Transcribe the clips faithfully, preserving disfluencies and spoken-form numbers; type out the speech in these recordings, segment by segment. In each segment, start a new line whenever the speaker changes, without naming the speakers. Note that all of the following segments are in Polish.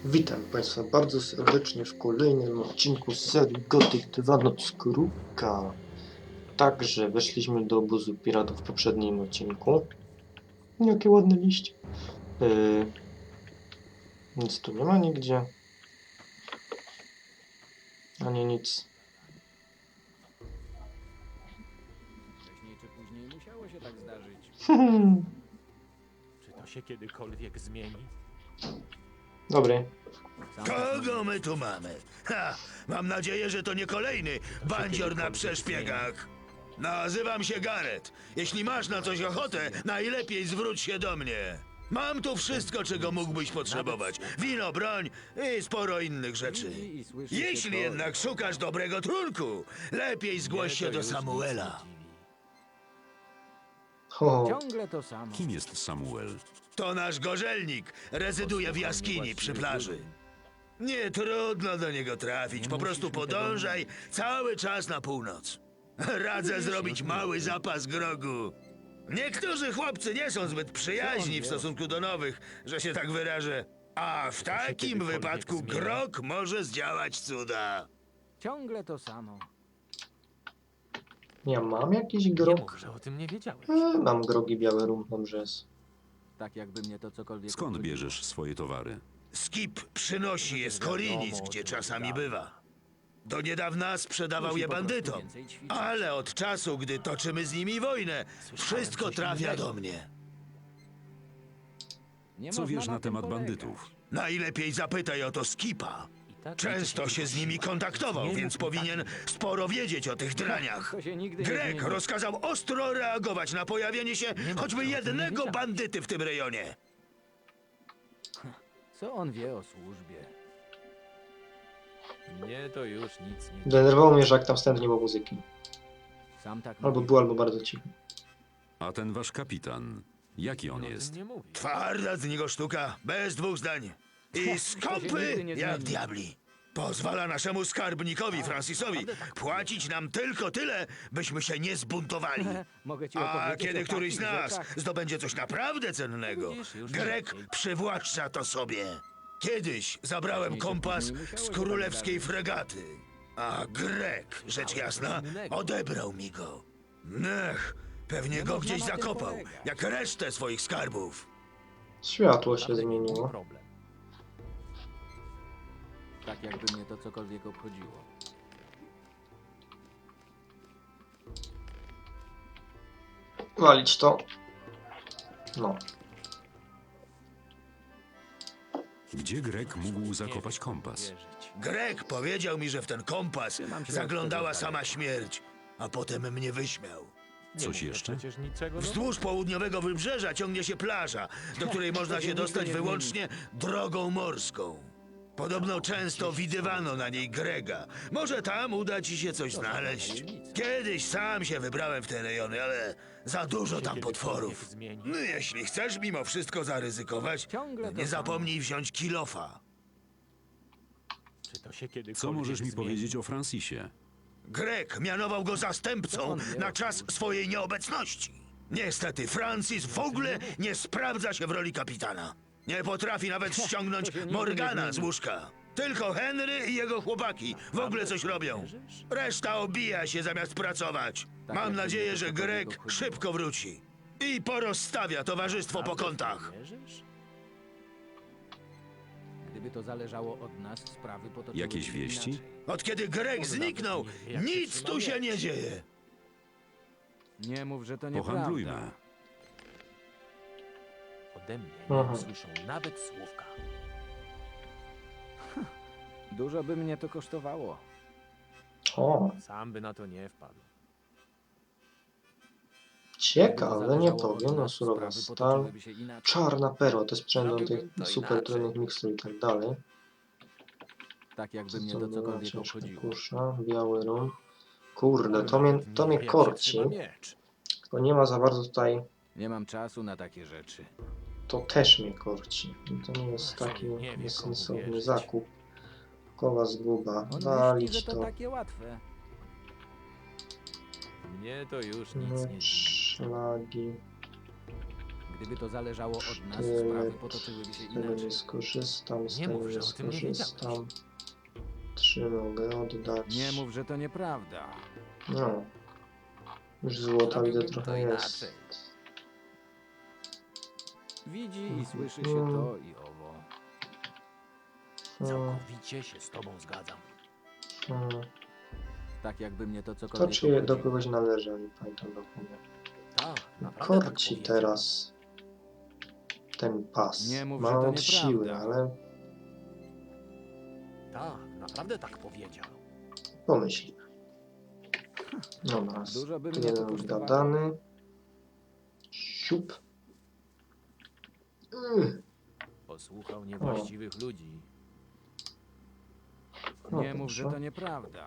Witam Państwa bardzo serdecznie w kolejnym odcinku z serii Gothic dwa Noc Kruka. Także weszliśmy do obozu piratów w poprzednim odcinku. Jakie ładne liście. Yy, nic tu nie ma nigdzie. Ani nic.
Wcześniej czy później musiało się tak zdarzyć.
Czy to się kiedykolwiek zmieni?
Dobry.
Sam tak
Kogo
mówię.
my tu mamy? Ha! Mam nadzieję, że to nie kolejny bandzior na przeszpiegach. Nazywam się Gareth. Jeśli masz na coś ochotę, najlepiej zwróć się do mnie. Mam tu wszystko, czego mógłbyś potrzebować. Wino, broń i sporo innych rzeczy.
Widzi i słyszy się
Jeśli
to-
jednak szukasz dobrego trunku, lepiej zgłoś
Mnie
się
to
do
już nic
Samuela.
nie dziwi.
Ho,
Ciągle to samo.
Kim jest Samuel?
To nasz gorzelnik. Rezyduje w jaskini przy plaży. Nie trudno do niego trafić. Po prostu podążaj cały czas na północ. Radzę zrobić mały zapas grogu. Niektórzy chłopcy nie są zbyt przyjaźni w stosunku do nowych, że się tak wyrażę. A w takim
kiedykolwiek
wypadku
zmieni?
grog może zdziałać cuda.
Ciągle to samo.
ja mam jakiś
Nie
grog?
mów, że o tym nie wiedziałeś.
E, mam grogi biały rum, dobrze jest.
Tak jakby mnie to cokolwiek
Skąd
obchodziło.
bierzesz swoje towary?
Skip przynosi je z Korinic, gdzie czasami bywa. Do niedawna sprzedawał
Musi
je
po prostu
bandytom,
więcej ćwiczyć.
ale od czasu, gdy toczymy z nimi wojnę, wszystko
coś
trafia
innego.
do mnie.
Nie
Co
można
wiesz na
tym
temat
polegać.
bandytów?
Najlepiej zapytaj o to Skipa.
I tak
Często
liczy
się z
tylko
nimi
siła.
kontaktował,
Nie
więc
mów mi
powinien
takich.
sporo wiedzieć o tych draniach.
To się nigdy nie
Grek
zmieni.
rozkazał ostro reagować na pojawienie się
mów,
choćby
że o tym nie
jednego
wiedziałem.
bandyty w tym rejonie.
Co on wie o służbie?
Mnie to już nic nie
Denerwowało mnie, że jak tam wstępnie było muzyki.
Sam tak
Albo
mówi.
było, albo bardzo cicho.
A ten wasz kapitan, jaki on
o
jest?
tym nie mówi.
Twarda z niego sztuka, bez dwóch zdań. I skąpy
nigdy nie
jak
zmieni.
diabli. Pozwala naszemu skarbnikowi Francisowi płacić nam tylko tyle, byśmy się nie zbuntowali.
Mogę ci
A
opowiedzieć
kiedy
o
któryś z
takich
nas
rzeczach.
zdobędzie coś naprawdę cennego,
Widzisz, już
Grek
lepiej.
przywłaszcza to sobie. Kiedyś zabrałem
Wcześniej czy
kompas
później musiało
z
się
królewskiej
tak zdarzyć.
fregaty, a Grek, rzecz jasna, odebrał mi go. Nech, pewnie
Nie
go
można
gdzieś
na tym
zakopał,
polegać.
jak resztę swoich skarbów.
Światło się
Naprawdę
zmieniło.
problem.
Tak jakby mnie to cokolwiek obchodziło.
Walić to. No.
Gdzie Grek mógł zakopać kompas?
Wierzyć.
Grek powiedział mi, że w ten kompas
Trzymam się
zaglądała
od tego z
sama
daleka.
śmierć, a potem mnie wyśmiał.
Nie
Coś
mów, że
jeszcze?
Przecież niczego
Wzdłuż południowego wybrzeża ciągnie się plaża, do której można
To się
się
nigdy
dostać
nie
wyłącznie drogą morską. Podobno często widywano na niej Grega. Może tam uda ci się coś znaleźć. Kiedyś sam się wybrałem w te rejony, ale za dużo tam potworów.
zmieni.
No, jeśli chcesz mimo wszystko zaryzykować,
Ciągle to
nie
samo.
zapomnij wziąć kilofa.
Czy to się kiedykolwiek
Co możesz mi
zmieni?
powiedzieć o Francisie?
Grek mianował go
Co
zastępcą
on wie
na
o
czas swojej nieobecności. Niestety Francis w ogóle nie sprawdza się w roli kapitana. Nie potrafi nawet ściągnąć
To się nigdy nie
Morgana z
zmieni.
łóżka. Tylko Henry i jego chłopaki w ogóle coś robią.
Wierzysz?
Reszta obija się zamiast pracować.
Tak
Mam
jakby
nadzieję,
mnie
że
to cokolwiek
Grek
obchodziło.
szybko wróci. I porozstawia towarzystwo po kątach.
Wierzysz?
Gdyby to zależało od nas, sprawy potoczyły
Jakieś
się
wieści?
inaczej.
Od kiedy Grek zniknął,
nie wie, jak się
nic
trzyma
tu się
wieś.
nie dzieje.
Nie mów, że to nieprawda.
Pohandlujmy.
Ode mnie
Aha.
nie usłyszą nawet słówka.
Dużo by mnie to kosztowało.
O,
Sam by na to nie wpadł.
ciekawe, nie
Gdyby zależało od
powiem. No,
nas,
surowa
sprawy
stal.
potoczyłyby się inaczej.
Czarna perła, to jest sprzęt do
Zrobiłbym
tych
to
super
inaczej.
trudnych mikstur i tak dalej.
Tak jakby
Co
mnie
to
to
była
cokolwiek
ciężka
obchodziło.
kusza, biały rum. Kurde, to mnie, to mnie
Jak się
korci.
trzyma miecz.
Tylko nie ma za bardzo tutaj.
Nie mam czasu na takie rzeczy.
To też mnie korci. I to nie jest taki
Nie wie,
bezsensowny
komu wierzyć.
zakup. Koła zguba.
On myśli,
Walić
że to
to.
takie łatwe.
Mnie to już nic nie
Miecz,
dziwi.
szlagi.
Gdyby to zależało od nas,
Tyle,
sprawy potoczyłyby się
z tego
inaczej.
nie skorzystam, z
Nie
tego
mów,
nie
że o tym nie
skorzystam. Trzy mogę oddać.
Nie mów, że to nieprawda.
No. Już złota widzę
Zrobiłbym
trochę
to
jest.
inaczej.
Widzi i słyszy się
Mm.
to i owo.
Hmm,
Całkowicie się z tobą zgadzam.
hmm.
Tak jakby mnie to
To
cokolwiek
czy do
obchodziło.
kogoś należy, ale pamiętam dokument.
Tak, naprawdę tak
Korci
powiedział.
teraz ten pas.
Nie mów,
Ma
że to
od
nieprawda.
siły, ale
Tak, naprawdę tak powiedział.
pomyślimy. Dobra,
Dużo by
tu
mnie to
jeden
kosztowało.
gadany. Siup. Mm.
Posłuchał niewłaściwych ludzi.
No
Nie mów, że
proszę.
to nieprawda.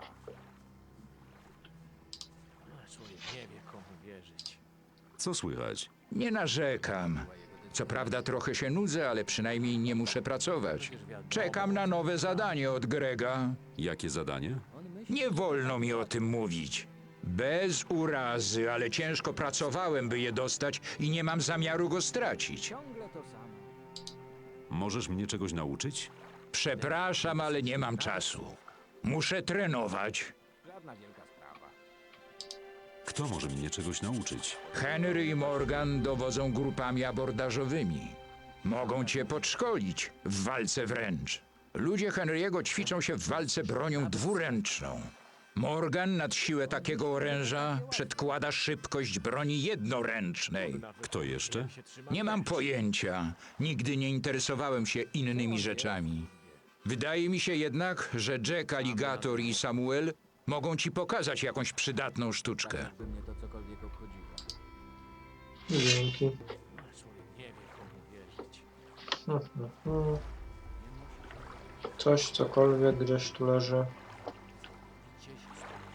Człowiek nie wie, komu wierzyć.
Co słychać?
Nie narzekam. Co prawda trochę się nudzę, ale przynajmniej nie muszę pracować. Czekam na nowe zadanie od Grega.
Jakie zadanie?
Nie wolno mi o tym mówić. Bez urazy, ale ciężko pracowałem, by je dostać i nie mam zamiaru go stracić.
Ciągle to samo.
Możesz mnie czegoś nauczyć?
Przepraszam, ale nie mam czasu. Muszę trenować.
Żadna wielka sprawa.
Kto może mnie czegoś nauczyć?
Henry i Morgan dowodzą grupami abordażowymi. Mogą cię podszkolić w walce wręcz. Ludzie Henry'ego ćwiczą się w walce bronią dwuręczną. Morgan nad siłę takiego oręża przedkłada szybkość broni jednoręcznej.
Kto jeszcze?
Nie mam pojęcia. Nigdy nie interesowałem się innymi rzeczami. Wydaje mi się jednak, że Jack Alligator i Samuel mogą ci pokazać jakąś przydatną sztuczkę.
Jakby mnie to cokolwiek obchodziło.
Dzięki.
Człowiek nie wie, komu wierzyć.
Hmm, hmm, hmm. Coś, cokolwiek gdzieś tu leży.
Gdzie się z tobą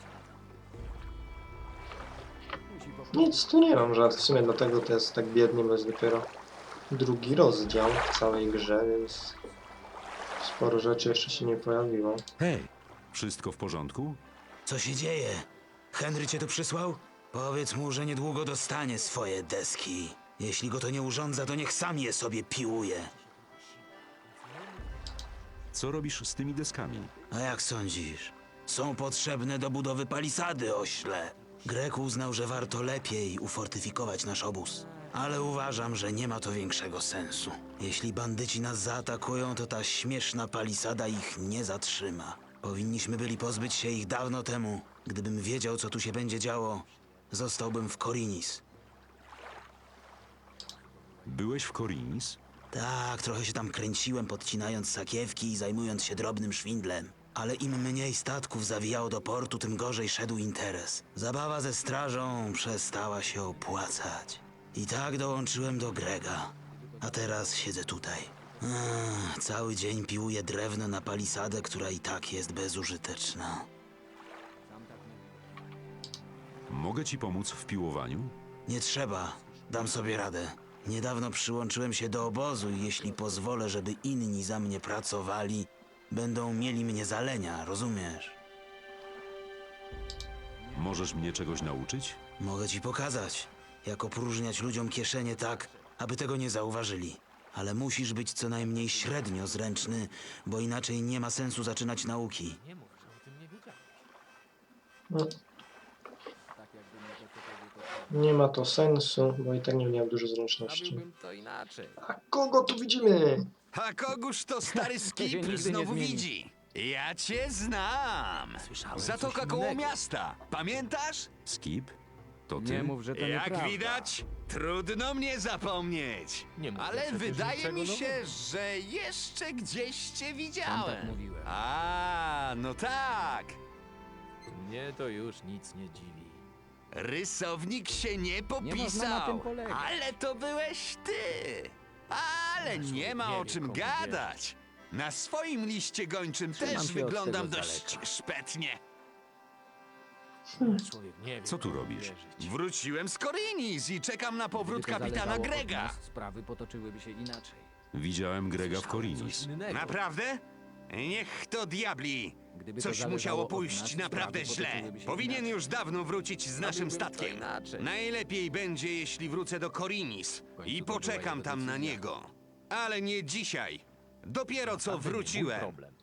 zgadzam.
Musi po
Nic tu nie mam, że w sumie dlatego to jest tak biednie, bo jest dopiero drugi rozdział w całej grze, więc sporo rzeczy jeszcze się nie pojawiło.
Hej! Wszystko w porządku?
Co się dzieje? Henry cię tu przysłał? Powiedz mu, że niedługo dostanie swoje deski. Jeśli go to nie urządza, to niech sam je sobie piłuje.
Co robisz z tymi deskami?
A jak sądzisz? Są potrzebne do budowy palisady, ośle. Grek uznał, że warto lepiej ufortyfikować nasz obóz. Ale uważam, że nie ma to większego sensu. Jeśli bandyci nas zaatakują, to ta śmieszna palisada ich nie zatrzyma. Powinniśmy byli pozbyć się ich dawno temu. Gdybym wiedział, co tu się będzie działo, zostałbym w Korinis.
Byłeś w Korinis?
Tak, trochę się tam kręciłem, podcinając sakiewki i zajmując się drobnym szwindlem. Ale im mniej statków zawijało do portu, tym gorzej szedł interes. Zabawa ze strażą przestała się opłacać. I tak dołączyłem do Grega. A teraz siedzę tutaj. Ech, cały dzień piłuję drewno na palisadę, która i tak jest bezużyteczna.
Mogę ci pomóc w piłowaniu?
Nie trzeba, dam sobie radę. Niedawno przyłączyłem się do obozu i jeśli pozwolę, żeby inni za mnie pracowali, będą mieli mnie za lenia, rozumiesz?
Możesz mnie czegoś nauczyć?
Mogę ci pokazać, jak opróżniać ludziom kieszenie tak, aby tego nie zauważyli. Ale musisz być co najmniej średnio zręczny, bo inaczej nie ma sensu zaczynać nauki.
Nie mów, że o tym nie wiedziałeś.
No,
tak jakby mnie to cokolwiek obchodziło.
nie ma to sensu, bo i tak nie miałem dużo zręczności.
Zrobiłbym to inaczej.
A kogo tu widzimy?
A kogóż to stary
się
skip
nigdy nie
znowu
zmieni.
widzi? Ja cię znam!
Słyszałem
Zatoka
coś
koło
innego.
miasta, pamiętasz?
Skip? To ty?
Nie mów, że to
Jak
nieprawda.
widać, trudno mnie zapomnieć.
Nie mówię
Ale
przecież
wydaje
niczego
mi się,
nowego.
że jeszcze gdzieś cię
Sam
widziałem.
tak mówiłem.
A, no tak.
Mnie to już nic nie dziwi.
Rysownik się nie popisał.
można na tym polegać.
Ale to byłeś ty. Ale
Nasz
nie
człowiek
ma
nie
o
wie,
czym
komu
gadać. Na swoim liście gończym
Trzymam
też
się od
wyglądam
tego z
dość
daleka.
szpetnie.
Człowiek nie wie,
Co tu
komu
robisz?
wierzyć.
Wróciłem z Korinis i czekam na powrót
Gdyby to
kapitana
zależało od
Grega.
nas, sprawy potoczyłyby się inaczej.
Widziałem Grega w
Słyszałem
Korinis.
coś innego.
Naprawdę? Niech to diabli.
Gdyby to
Coś
zależało
musiało
od
pójść
nas,
naprawdę
sprawy
źle.
potoczyłyby się
Powinien
inaczej.
już dawno wrócić z naszym
Zrobiłbym to
statkiem.
inaczej.
Najlepiej będzie, jeśli wrócę do Korinis
końcu
i
to była
poczekam
jego
tam na
decyzja.
niego. Ale nie dzisiaj. Dopiero co
Naprawdę nie mój
wróciłem.
problem.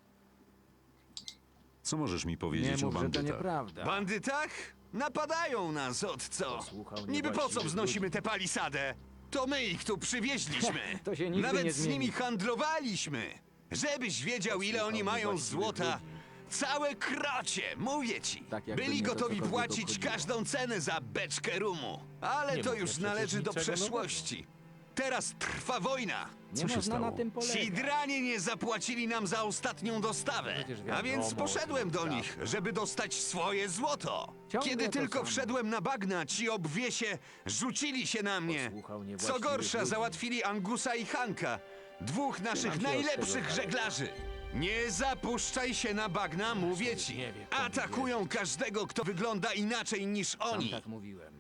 Co możesz mi
Nie
powiedzieć o
mów, że to
bandytach?
nieprawda.
Bandytach? Napadają nas od co?
Posłuchał
Niby po co
niewłaściwych
wznosimy
ludzi.
tę palisadę? To my ich tu przywieźliśmy.
To się nigdy
Nawet
nie
z
zmieni.
nimi handlowaliśmy. Żebyś wiedział, ile oni
Posłuchał
mają
niewłaściwych
złota.
ludzi.
Całe krocie, mówię ci.
Tak jakby
Byli
mnie to
gotowi
cokolwiek
płacić
obchodziło.
każdą cenę za beczkę rumu. Ale
Nie
to
mówię
już
przecież
należy do
niczego
przeszłości. Teraz trwa wojna.
Nie
Co się
można na
stało?
tym polegać.
Ci dranie nie zapłacili nam za ostatnią dostawę.
Przecież
A
wiadomo,
więc
o czym
poszedłem do
mówię.
nich, żeby dostać swoje złoto.
Ciągle
Kiedy
to
tylko
samo.
wszedłem na bagna, ci obwiesie rzucili się na mnie.
Posłuchał
Co
niewłaściwych
gorsza,
ludzi.
załatwili Angusa i Hanka, dwóch naszych
się od tego
najlepszych
daleka.
żeglarzy. Nie zapuszczaj się na bagna, mówię ci.
nie wie, komu
Atakują każdego, kto wygląda inaczej niż
Sam
oni.
tak mówiłem.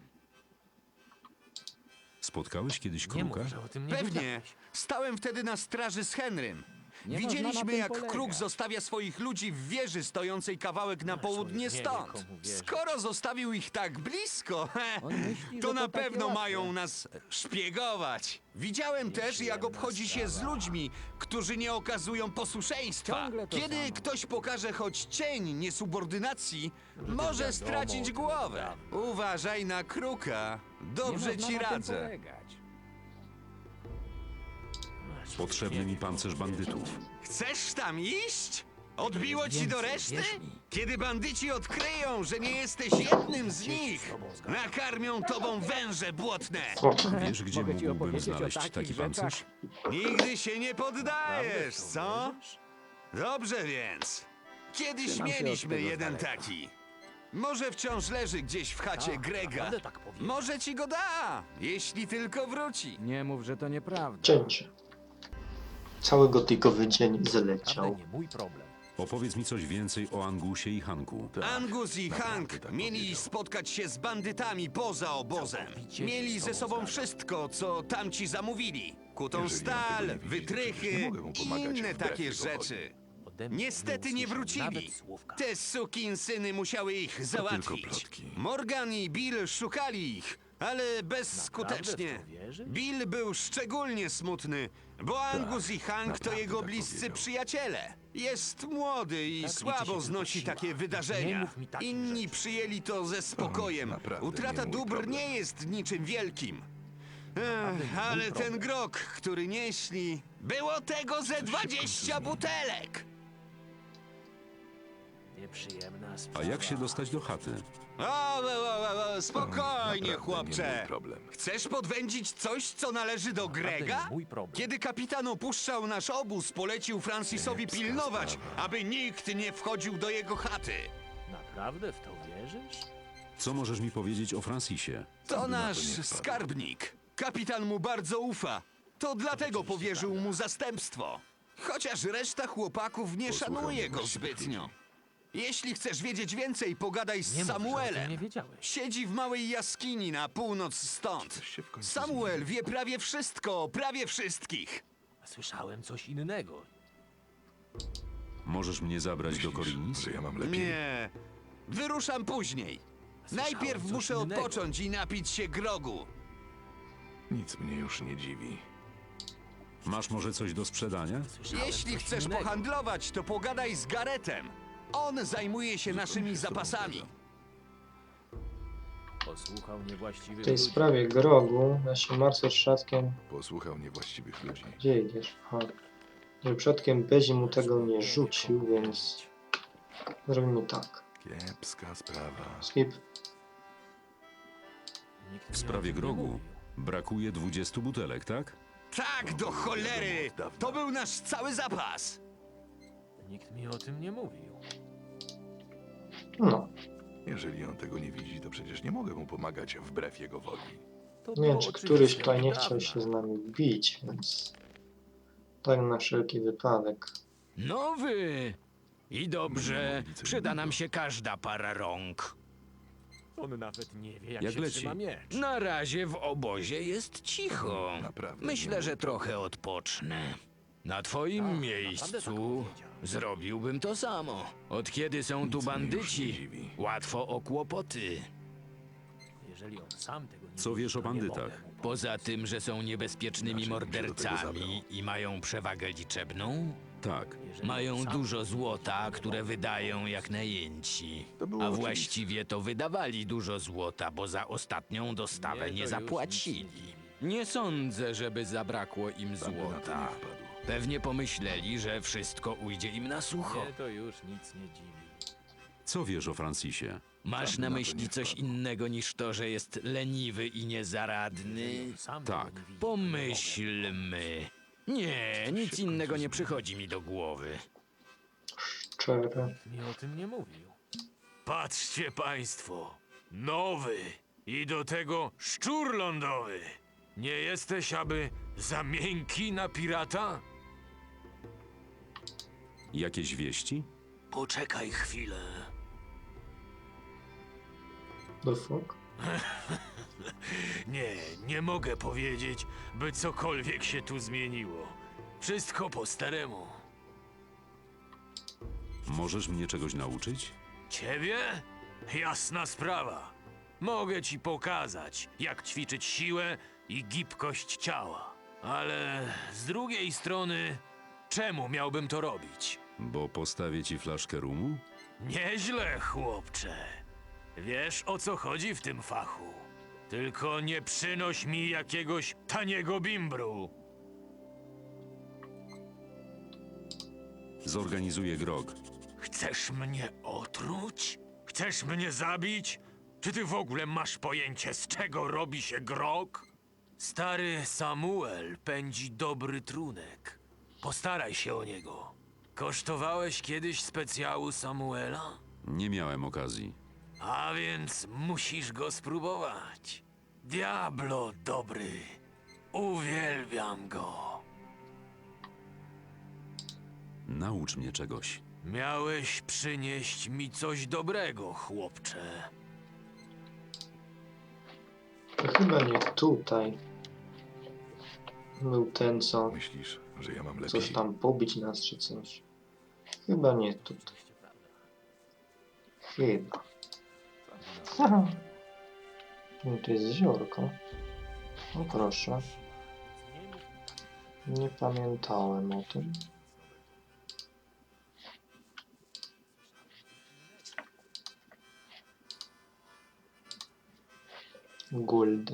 Spotkałeś kiedyś
Nie
kruka?
mów, że o tym nie
Pewnie.
wiedziałeś.
Stałem wtedy na straży z Henrym.
Nie można na
Widzieliśmy,
tym
jak
polegać.
Kruk zostawia swoich ludzi w wieży stojącej kawałek na południe
człowiek nie wie,
stąd.
komu wierzyć.
Skoro zostawił ich tak blisko, he,
On myśli,
to
że
na
to takie
pewno
łatwe.
mają nas szpiegować. Widziałem też, jak obchodzi się z ludźmi, którzy nie okazują posłuszeństwa.
Ciągle to
Kiedy
samo.
ktoś pokaże choć cień niesubordynacji, może
wiadomo,
stracić
o tym
głowę. Uważaj na Kruka. Dobrze
nie można
ci
na tym
radzę.
polegać.
Potrzebny mi pancerz bandytów.
Chcesz tam iść? Odbiło ci do
Więcej,
reszty?
wierz mi.
Kiedy bandyci odkryją, że nie jesteś jednym z nich, nakarmią tobą węże błotne.
O,
Wiesz, gdzie
Mogę ci
mógłbym
opowiedzieć o
znaleźć
takich
taki
rzeczach.
pancerz?
Nigdy się nie poddajesz,
Naprawdę w to
co?
wierzysz?
Dobrze więc. Kiedyś
Trzymam się od
mieliśmy
tego z
jeden
daleka.
taki. Może wciąż leży gdzieś w chacie
Tak,
Grega.
naprawdę tak powiedział.
Może ci go da, jeśli tylko wróci.
Nie mów, że to nieprawda.
cięcie. Cały gotykowy dzień zleciał.
Naprawdę nie mój problem.
Opowiedz mi coś więcej o Angusie i Hanku.
Angus i Hank mieli spotkać się z bandytami poza obozem.
Całkowicie
Mieli
się z
ze
tobą
sobą
zgadzam.
wszystko, co tamci zamówili. Kutą
Jeżeli on
stal,
tego nie widzi, to przecież
wytrychy
nie mogę mu
i
pomagać
inne
wbrew
takie
jego
rzeczy.
Ode mnie
Niestety nie
usłyszał
wrócili.
nawet słówka.
Te sukinsyny musiały ich załatwić.
plotki.
Morgan i Bill szukali ich, ale bezskutecznie.
w to wierzysz?
Bill był szczególnie smutny, bo Angus i Hank to
naprawdę
jego
tak
bliscy
powiedział.
przyjaciele. Jest młody i
Tak liczy
słabo
się
znosi
tylko
takie
siła.
wydarzenia.
Nie mów mi takich
Inni
rzeczy.
przyjęli to ze spokojem.
naprawdę
Utrata
nie mój
dóbr
problem.
nie jest niczym wielkim.
Naprawdę
Ech,
nie mój
ale ten
problem.
grog, który nieśli, było tego ze dwadzieścia butelek.
Nieprzyjemna
A
sprawa.
jak się dostać do chaty?
O, o, o, o, o, spokojnie,
Naprawdę
chłopcze.
nie mój problem.
Chcesz podwędzić coś, co należy do
Naprawdę
Grega?
nie mój problem.
Kiedy kapitan opuszczał nasz obóz, polecił Francisowi
Kiepska
pilnować,
sprawa.
aby nikt nie wchodził do jego chaty.
Naprawdę w to wierzysz?
Co możesz mi powiedzieć o Francisie?
To nasz
nie wpadł.
skarbnik. Kapitan mu bardzo ufa. To dlatego powierzył mu zastępstwo. Chociaż reszta chłopaków nie
Posłucham
szanuje go
niewłaściwych
zbytnio.
ludzi.
Jeśli chcesz wiedzieć więcej, pogadaj z
Nie mów, że o tym
Samuelem.
nie wiedziałeś.
Siedzi w małej jaskini na północ stąd.
Coś się w końcu
Samuel wie prawie wszystko, o prawie wszystkich.
Słyszałem coś innego.
Możesz mnie zabrać do
Myślisz,
Korinis?
że ja mam lepiej?
Nie, wyruszam później.
Słyszałem
Najpierw
coś
muszę
innego.
odpocząć i napić się grogu.
Nic mnie już nie dziwi.
Masz może coś do sprzedania?
Słyszałem
Jeśli
coś
chcesz
innego.
pohandlować, to pogadaj z Garetem. On zajmuje się naszymi
się z tobą
zapasami.
zgadzam.
Posłuchał niewłaściwych
W tej
ludzi.
sprawie grogu ja się martwię przodkiem.
Posłuchał niewłaściwych ludzi.
Gdzie idziesz? Aha. Że przodkiem Bezi mu tego nie rzucił, więc zrobimy tak.
Kiepska sprawa.
Skip.
Nikt
W
mi o
sprawie
tym nie
grogu
mówił.
brakuje dwudziestu butelek, tak?
Tak, do cholery! To był nasz cały zapas.
Nikt mi o tym nie mówił.
No,
Jeżeli on tego nie widzi, to przecież nie mogę mu pomagać wbrew jego woli.
To
nie
było
wiem, czy
oczywiste
któryś
od
tutaj nie
dawna.
chciał się z nami bić, więc tak na wszelki wypadek.
No wy! I dobrze,
Nie ma nic
przyda nam
innego.
się każda para rąk.
On nawet nie wie, jak,
Jak
się
leci?
trzyma miecz.
Na razie w obozie jest cicho.
Naprawdę
Myślę,
nie
że
mój
trochę odpocznę.
Na twoim
Tak,
miejscu
naprawdę tak powiedział.
zrobiłbym to samo. Od kiedy są tu
Nic mnie już nie
bandyci,
dziwi.
łatwo o kłopoty.
Jeżeli on sam tego nie
Co
widzi,
wiesz o
to nie
bandytach?
mogę mu
Poza tym, że są niebezpiecznymi
Inaczej bym się do tego
mordercami i mają przewagę liczebną,
Tak.
Jeżeli
mają
on sam
dużo
tego nie
złota,
widzi, to
które
nie mogę.
wydają jak najęci.
To było
A
oczywiste.
właściwie to wydawali dużo złota, bo za ostatnią dostawę
Mnie
nie
to już
zapłacili.
nic nie dziwi.
Nie sądzę, żeby zabrakło im
Sam by na to
złota.
nie wpadł.
Pewnie pomyśleli, że wszystko ujdzie im na sucho.
Mnie to już nic nie dziwi.
Co wiesz o Francisie?
Masz
Sam by
na
na to
myśli
nie
coś
wpadł.
innego niż to, że jest leniwy i niezaradny?
Jeżeli on sam
Tak.
tego nie widzi, to nie mogę.
Pomyślmy. Nie, nic innego nie przychodzi mi do głowy.
Szczere.
Nikt mi o tym nie mówił.
Patrzcie państwo, nowy i do tego szczur lądowy. Nie jesteś aby za miękki na pirata?
Jakieś wieści?
Poczekaj chwilę.
The fuck?
Nie, nie mogę powiedzieć, by cokolwiek się tu zmieniło. Wszystko po staremu.
Możesz mnie czegoś nauczyć?
Ciebie? Jasna sprawa. Mogę ci pokazać, jak ćwiczyć siłę i gibkość ciała. Ale z drugiej strony, czemu miałbym to robić?
Bo postawię ci flaszkę rumu?
Nieźle, chłopcze. Wiesz, o co chodzi w tym fachu. Tylko nie przynoś mi jakiegoś taniego bimbru.
Zorganizuję grog.
Chcesz mnie otruć? Chcesz mnie zabić? Czy ty w ogóle masz pojęcie, z czego robi się grog? Stary Samuel pędzi dobry trunek. Postaraj się o niego. Kosztowałeś kiedyś specjału Samuela?
Nie miałem okazji.
A więc musisz go spróbować. Diablo dobry. Uwielbiam go.
Naucz mnie czegoś.
Miałeś przynieść mi coś dobrego, chłopcze.
To chyba nie tutaj. Był ten, co
Myślisz, że ja mam lepiej?
coś tam pobić nas czy coś. Chyba nie tutaj. Chyba. No to jest jeziorko. No proszę. Nie pamiętałem o tym. Gold.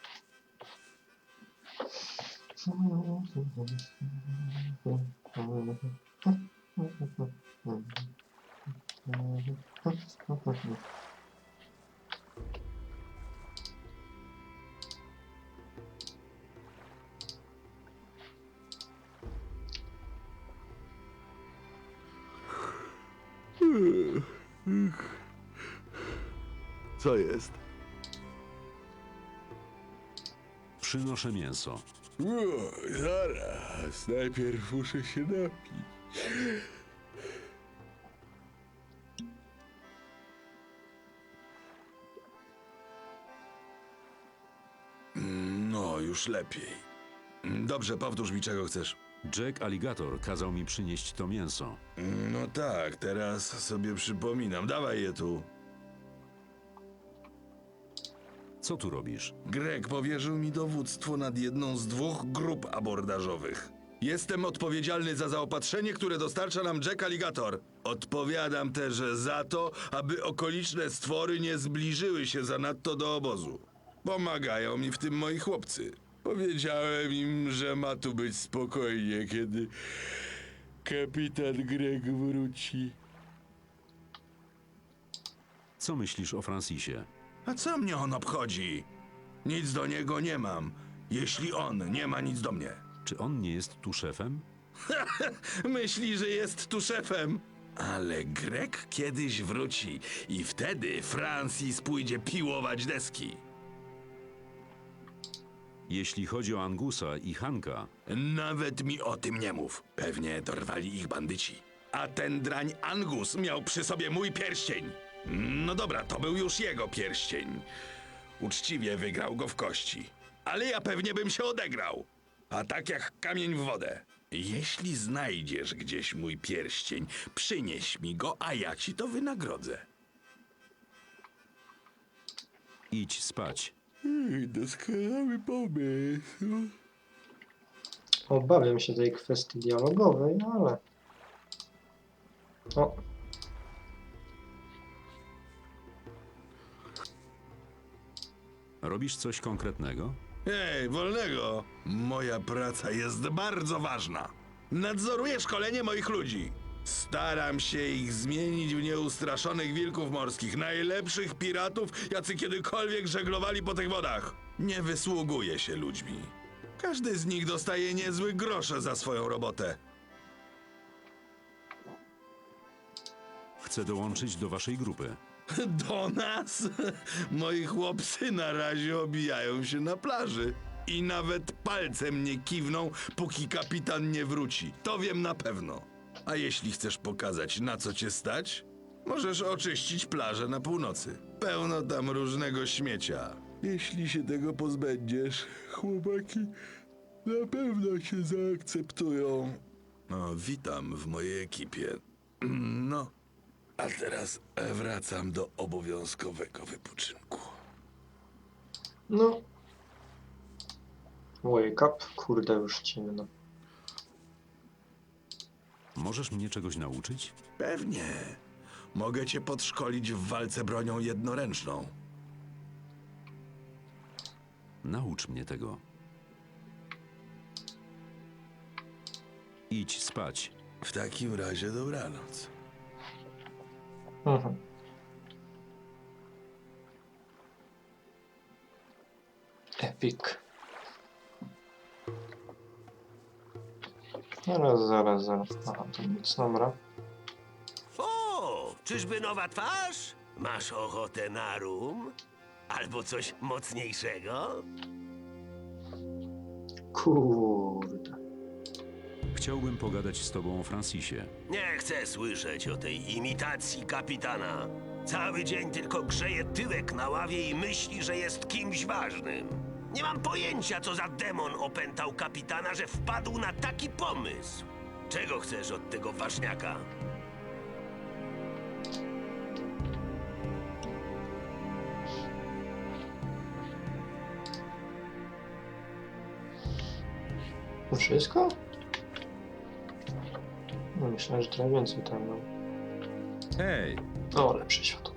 Co jest?
Przynoszę mięso.
O, zaraz, najpierw muszę się napić. No, już lepiej. Dobrze, powtórz mi, czego chcesz.
Jack Alligator kazał mi przynieść to mięso.
No tak, teraz sobie przypominam. Dawaj je tu.
Co tu robisz?
Greg powierzył mi dowództwo nad jedną z dwóch grup abordażowych. Jestem odpowiedzialny za zaopatrzenie, które dostarcza nam Jack Alligator. Odpowiadam też za to, aby okoliczne stwory nie zbliżyły się zanadto do obozu. Pomagają mi w tym moi chłopcy. Powiedziałem im, że ma tu być spokojnie, kiedy kapitan Greg wróci.
Co myślisz o Francisie?
A co mnie on obchodzi? Nic do niego nie mam, jeśli on nie ma nic do mnie.
Czy on nie jest tu szefem?
Myśli, że jest tu szefem. Ale Greg kiedyś wróci i wtedy Francis pójdzie piłować deski.
Jeśli chodzi o Angusa i Hanka,
Nawet mi o tym nie mów. Pewnie dorwali ich bandyci. A ten drań Angus miał przy sobie mój pierścień. No dobra, to był już jego pierścień. Uczciwie wygrał go w kości. Ale ja pewnie bym się odegrał. A tak jak kamień w wodę. Jeśli znajdziesz gdzieś mój pierścień, przynieś mi go, a ja ci to wynagrodzę.
Idź spać.
Doskonały pomysł.
Obawiam się tej kwestii dialogowej, ale... O,
Robisz coś konkretnego?
Ej, wolnego! Moja praca jest bardzo ważna. Nadzoruję szkolenie moich ludzi. Staram się ich zmienić w nieustraszonych wilków morskich, najlepszych piratów, jacy kiedykolwiek żeglowali po tych wodach. Nie wysługuje się ludźmi. Każdy z nich dostaje niezły grosze za swoją robotę.
Chcę dołączyć do waszej grupy.
Do nas? Moi chłopcy na razie obijają się na plaży. I nawet palcem nie kiwną, póki kapitan nie wróci. To wiem na pewno. A jeśli chcesz pokazać, na co cię stać, możesz oczyścić plażę na północy. Pełno tam różnego śmiecia. Jeśli się tego pozbędziesz, chłopaki na pewno się zaakceptują. No, witam w mojej ekipie. No, a teraz wracam do obowiązkowego wypoczynku.
no. Wake up, kurde, już ciemno.
Możesz mnie czegoś nauczyć?
Pewnie. Mogę cię podszkolić w walce bronią jednoręczną.
Naucz mnie tego. Idź spać.
W takim razie dobranoc.
Mhm. Epic. Zaraz, zaraz, zaraz. Aha, to nic, dobra.
O, czyżby nowa twarz? Masz ochotę na rum? Albo coś mocniejszego?
Kurde.
Chciałbym pogadać z tobą o Francisie.
Nie chcę słyszeć o tej imitacji kapitana. Cały dzień tylko grzeje tyłek na ławie i myśli, że jest kimś ważnym. Nie mam pojęcia, co za demon opętał kapitana, że wpadł na taki pomysł. Czego chcesz od tego ważniaka?
To wszystko? No, myślałem, że trochę więcej tam mam.
Hej!
O, lepsze światło.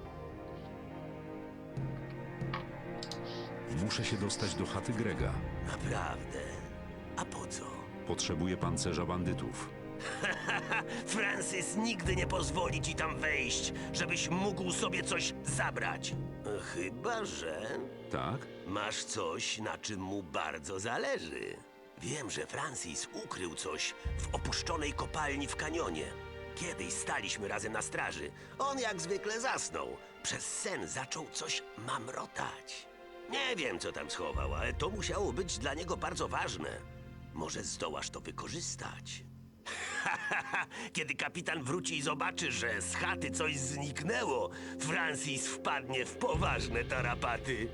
Muszę się dostać do chaty Grega.
Naprawdę? A po co?
Potrzebuję pancerza bandytów.
Francis nigdy nie pozwoli ci tam wejść, żebyś mógł sobie coś zabrać. Chyba że
Tak?
masz coś, na czym mu bardzo zależy. Wiem, że Francis ukrył coś w opuszczonej kopalni w kanionie. Kiedyś staliśmy razem na straży. On jak zwykle zasnął. Przez sen zaczął coś mamrotać. Nie wiem, co tam schował, ale to musiało być dla niego bardzo ważne. Może zdołasz to wykorzystać. Kiedy kapitan wróci i zobaczy, że z chaty coś zniknęło, Francis wpadnie w poważne tarapaty.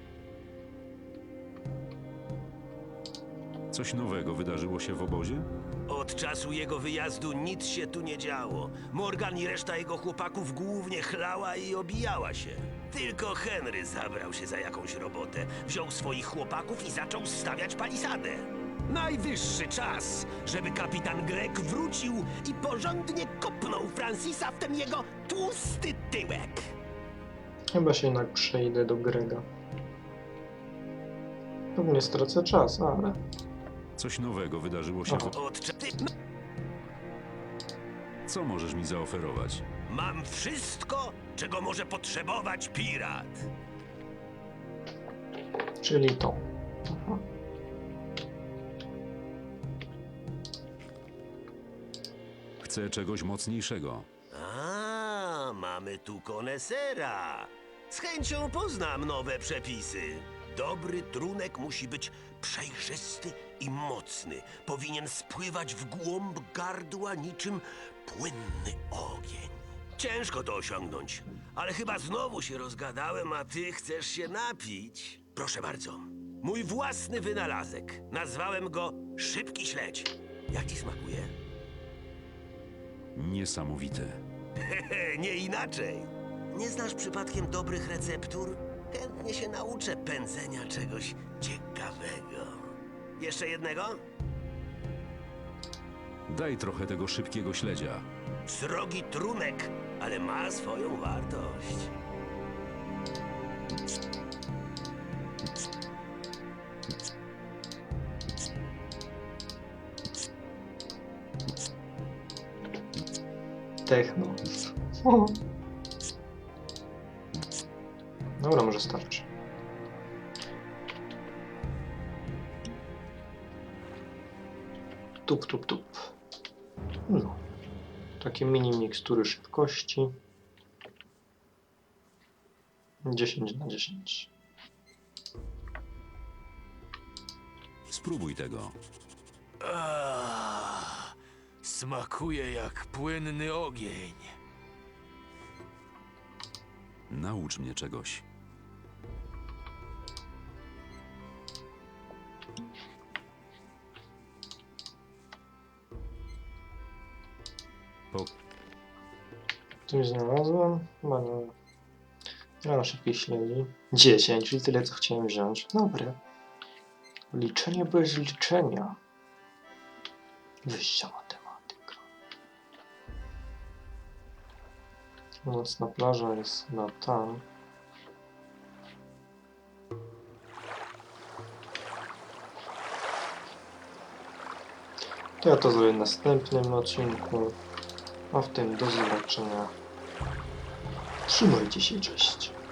Coś nowego wydarzyło się w obozie?
Od czasu jego wyjazdu nic się tu nie działo. Morgan i reszta jego chłopaków głównie chlała i obijała się. Tylko Henry zabrał się za jakąś robotę. Wziął swoich chłopaków i zaczął stawiać palisadę. Najwyższy czas, żeby kapitan Greg wrócił i porządnie kopnął Francisa w ten jego tłusty tyłek.
Chyba się jednak przejdę do Grega. Pewnie stracę czas, ale...
Coś nowego wydarzyło się w...
Od cza-
Co możesz mi zaoferować?
Mam wszystko, czego może potrzebować pirat.
Czyli to. Aha.
Chcę czegoś mocniejszego.
A, mamy tu konesera. Z chęcią poznam nowe przepisy. Dobry trunek musi być przejrzysty i mocny. Powinien spływać w głąb gardła niczym płynny ogień. Ciężko to osiągnąć, ale chyba znowu się rozgadałem, a ty chcesz się napić. Proszę bardzo, mój własny wynalazek. Nazwałem go Szybki Śledź. Jak ci smakuje?
Niesamowite.
Hehe, nie inaczej. Nie znasz przypadkiem dobrych receptur? Chętnie się nauczę pędzenia czegoś ciekawego. Jeszcze jednego?
Daj trochę tego szybkiego śledzia.
Srogi trunek, ale ma swoją wartość.
Techno. Dobra, może starczy. Tup, tup, tup. No. Takie mini mikstury szybkości. dziesięć na dziesięć.
Spróbuj tego.
Ah, smakuje jak płynny ogień.
Naucz mnie czegoś. Po...
Coś znalazłem? Chyba nie. Ja na szybkiej śledzi. dziesięć, czyli tyle, co chciałem wziąć. Dobre. Liczenie bez liczenia. Wyjścia matematyka. Nocna plaża jest na tam. To ja to zrobię w następnym odcinku. A w tym do zobaczenia. Trzymajcie się, cześć.